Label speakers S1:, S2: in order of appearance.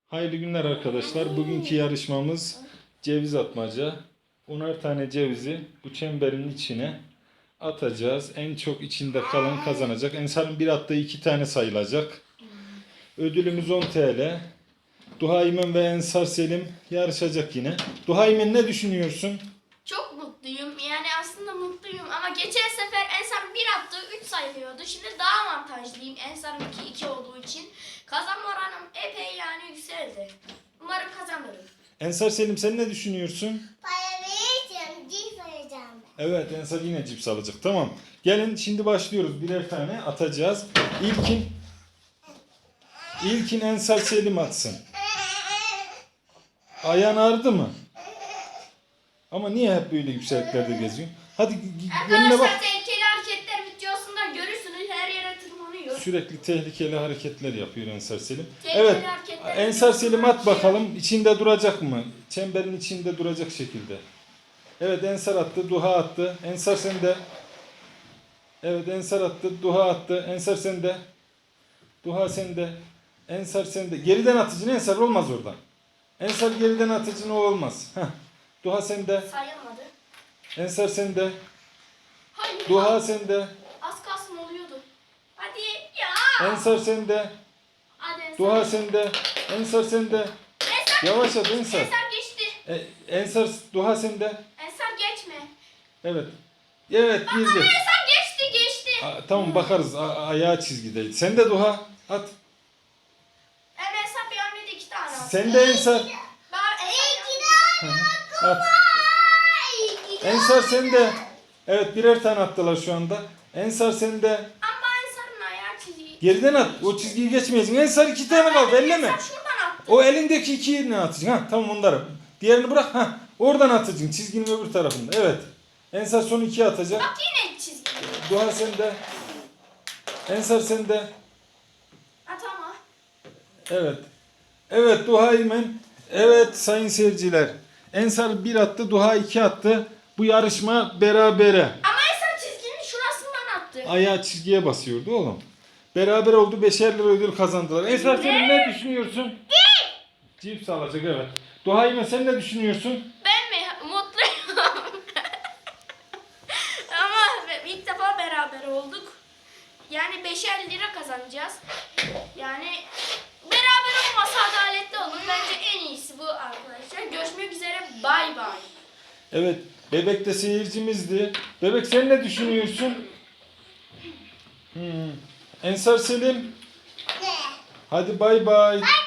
S1: Hayırlı günler arkadaşlar. Bugünkü yarışmamız ceviz atmaca. 10'ar tane cevizi bu çemberin içine atacağız. En çok içinde kalan kazanacak. Ensar'ın bir attığı 2 tane sayılacak. Ödülümüz 10 TL. Duhaymen ve Ensar Selim yarışacak yine. Duhaymen ne düşünüyorsun?
S2: Çok mutluyum. Yani aslında mutluyum ama geçen sefer Ensar bir attı 3 sayılıyordu. Şimdi daha avantajlıyım. Ensar'ınki 2 olduğu için. Kazanma oranım epey yani yükseldi. Umarım kazanırım.
S1: Ensar Selim sen ne düşünüyorsun?
S3: Para verirsem cips alacağım.
S1: Evet, Ensar yine cips alacak. Tamam. Gelin şimdi başlıyoruz. Birer tane atacağız. İlkin Ensar Selim atsın. Ayağın ağrıdı mı? Ama niye hep böyle yükseklerde geziyor? Hadi önüne bak.
S2: Arkadaşlar tehlikeli hareketler videosunda görürsünüz. Her yere tırmanıyor.
S1: Sürekli tehlikeli hareketler yapıyor Ensar Selim.
S2: Tehlikeli
S1: Evet.
S2: hareketler
S1: Ensar Selim at
S2: videosunda
S1: bakalım. İçinde duracak mı? Çemberin içinde duracak şekilde. Evet, Ensar attı. Duha attı. Ensar sende. Evet, Ensar attı. Duha attı. Ensar sende. Duha sende. Ensar sende. Geriden atıcın Ensar olmaz oradan. Ensar geriden atıcın o olmaz. Heh. Duha sende.
S2: sayılmadı.
S1: Ensar sende.
S2: Hayır.
S1: Duha sende.
S2: Az kalsın oluyordu. Hadi ya.
S1: Ensar sende.
S2: Hadi Ensar.
S1: Duha sende. Ensar sende.
S2: Ensar.
S1: Yavaş at Ensar.
S2: Ensar geçti.
S1: Ensar, Duha sende.
S2: Ensar geçme.
S1: Evet. Evet, girdi.
S2: Ensar geçti.
S1: Tamam, bakarız. Ayağı çizgideydi. Sen de Duha at.
S2: Ensar bir hamlede 2 tane attı.
S1: Sen de Ensar. At. Ensar sen de. Evet, birer tane attılar şu anda. Ensar sen de.
S2: Ama Ensar'ın ayağı çiziği.
S1: Geriden at. O çizgiyi geçmeyeceksin. Ensar 2 tane kaldı. Elleme.
S2: Ensar şuradan attı.
S1: O elindeki 2'yi ne atacaksın? Ha, tamam, onları. Diğerini bırak. Ha, oradan atacaksın. Çizginin öbür tarafında. Evet. Ensar son 2'yi atacak.
S2: Bak yine çizgi.
S1: Duha sen de. Ensar sen de.
S2: At ama.
S1: Evet. Evet, Duha İmen. Evet sayın seyirciler. Ensar 1 attı. Duha 2 attı. Bu yarışma berabere.
S2: Ama Ensar çizginin şurasından attı.
S1: Ayağı çizgiye basıyordu oğlum. Beraber oldu, 5'er lira ödül kazandılar. Ensar senin ne düşünüyorsun? Cips alacak, evet. Duha İmen sen ne düşünüyorsun?
S2: Ben mi? Mutluyum. Ama ilk defa beraber olduk. Yani 5'er lira kazanacağız. Yani beraber olmasa adaletli olur. Bence en iyisi bu arkadaşlar. Görüşmek üzere. Bay bay.
S1: Evet, Bebek de seyircimizdi. Bebek sen ne düşünüyorsun? Ensar Selim. Hadi bay bay.